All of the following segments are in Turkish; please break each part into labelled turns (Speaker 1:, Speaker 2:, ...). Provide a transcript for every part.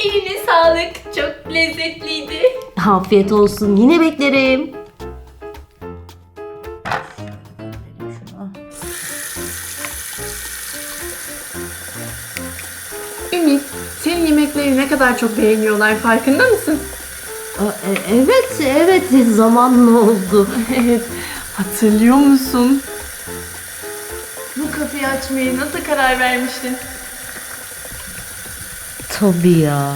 Speaker 1: Eline sağlık. Çok lezzetliydi.
Speaker 2: Afiyet olsun. Yine beklerim.
Speaker 1: Ümit, senin yemekleri ne kadar çok beğeniyorlar, farkında mısın?
Speaker 2: Evet, zamanla oldu.
Speaker 1: Evet, hatırlıyor musun? Bu kafeyi açmaya nasıl karar vermiştin?
Speaker 2: Tabii ya.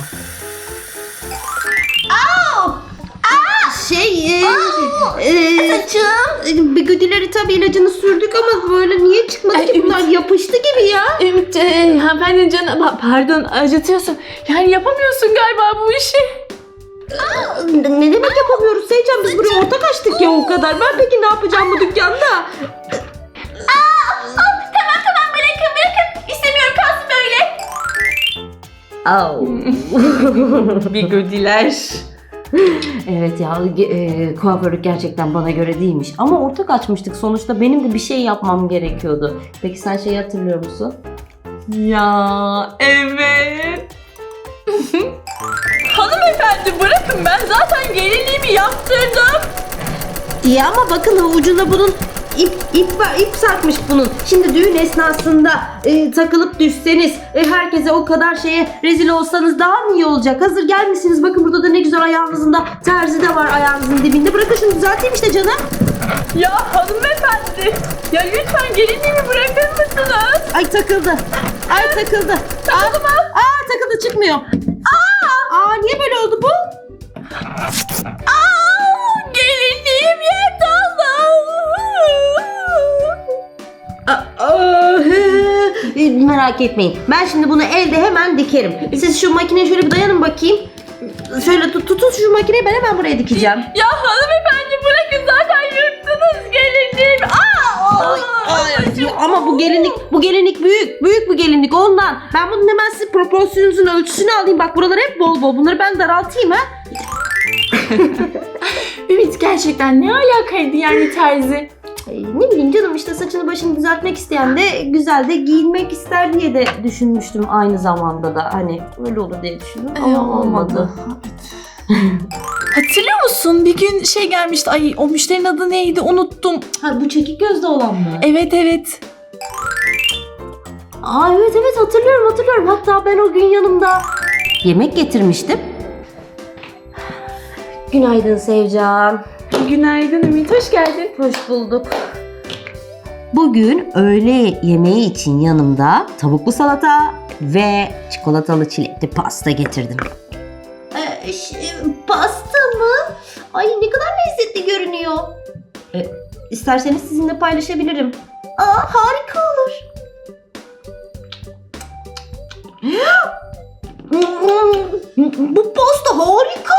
Speaker 2: Bigodileri tabii ilacını sürdük ama böyle niye çıkmadı ki bunlar? Yapıştı gibi ya.
Speaker 1: Ümit, hanımefendi canım, pardon, acıtıyorsun. Yani yapamıyorsun galiba bu işi.
Speaker 2: Ne demek yapamıyoruz Seycan? Biz buraya ortak açtık ya o kadar. Ben peki ne yapacağım bu dükkanda?
Speaker 1: Tamam, bırakın. İstemiyorum, kalsın böyle. Bigodiler.
Speaker 2: Evet ya, kuaförlük gerçekten bana göre değilmiş. Ama ortak açmıştık sonuçta, benim de bir şey yapmam gerekiyordu. Peki sen şeyi hatırlıyor musun?
Speaker 1: Ya evet. Hanımefendi bırakın, ben zaten gelinliğimi yaptırdım.
Speaker 2: İyi ama bakın ucuna bunun ip sarkmış bunun. Şimdi düğün esnasında takılıp düşseniz, herkese o kadar şeye rezil olsanız daha mı iyi olacak? Hazır gelmişsiniz, bakın burada da ne güzel ayağınızın da terzi de var ayağınızın dibinde. Bırakın şunu düzelteyim işte canım.
Speaker 1: Ya hanımefendi, ya lütfen gelinliğimi bırakır mısınız?
Speaker 2: Ay takıldı. Takıldı mı? Takıldı, çıkmıyor. Niye böyle oldu bu?
Speaker 1: Gelinliğim yerde
Speaker 2: Merak etmeyin. Ben şimdi bunu elde hemen dikerim. Siz şu makineye şöyle bir dayanın bakayım. Şöyle tutun şu makineyi, ben hemen buraya dikeceğim.
Speaker 1: Ya hanımefendi bırakın, zaten yırttınız gelinliğimi.
Speaker 2: Ama bu gelinlik büyük bu gelinlik ondan. Ben bunun hemen size proporsiyonunuzun ölçüsünü alayım. Bak buralar hep bol. Bunları ben daraltayım ha.
Speaker 1: Ümit, gerçekten ne alakaydı yani terzi?
Speaker 2: Ne bileyim canım, işte saçını başını düzeltmek isteyen de güzel de giyinmek ister diye de düşünmüştüm aynı zamanda da. Hani öyle olur diye düşündüm ama olmadı.
Speaker 1: Hatırlıyor musun? Bir gün şey gelmişti. Ay, o müşterinin adı neydi? Unuttum.
Speaker 2: Ha, bu çekik gözlü olan mı?
Speaker 1: Evet.
Speaker 2: Evet hatırlıyorum. Hatta ben o gün yanımda yemek getirmiştim. Günaydın Sevcan.
Speaker 1: Günaydın Ümit, hoş geldin.
Speaker 2: Hoş bulduk. Bugün öğle yemeği için yanımda tavuklu salata ve çikolatalı çilekli pasta getirdim. Pasta mı? Ay ne kadar lezzetli görünüyor. İsterseniz sizinle paylaşabilirim. Harika olur. Bu pasta harika.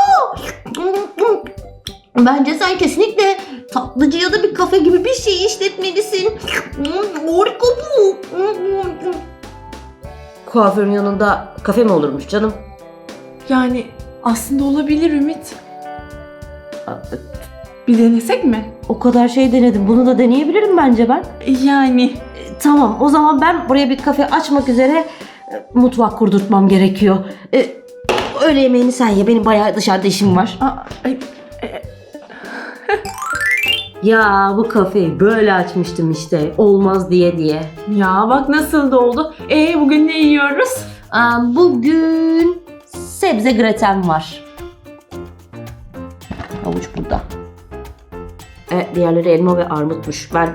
Speaker 2: Bence sen kesinlikle tatlıcı ya da bir kafe gibi bir şey işletmelisin. Harika bu. Kuaförün yanında kafe mi olurmuş canım?
Speaker 1: Yani aslında olabilir Ümit. Bir denesek mi?
Speaker 2: O kadar şey denedim. Bunu da deneyebilirim bence ben.
Speaker 1: Yani.
Speaker 2: Tamam, o zaman ben buraya bir kafe açmak üzere mutfak kurdurtmam gerekiyor. Öğle yemeğini sen ye. Benim bayağı dışarıda işim var. Ya bu kafeyi böyle açmıştım işte. Olmaz diye.
Speaker 1: Ya bak nasıl da oldu. Bugün ne yiyoruz?
Speaker 2: Bugün sebze graten var. Havuç burada. Diğerleri elma ve armutmuş. Ben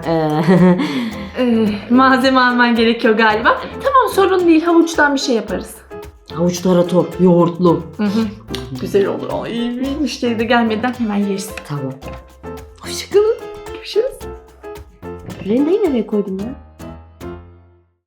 Speaker 1: Malzeme alman gerekiyor galiba. Tamam, sorun değil. Havuçtan bir şey yaparız.
Speaker 2: havuç tarator, yoğurtlu.
Speaker 1: Güzel olur. Ay, müşteri de gelmeden hemen yeriz.
Speaker 2: Tamam.
Speaker 1: Hoşçakalın. Görüşürüz.
Speaker 2: Rendeyi nereye koydun ya?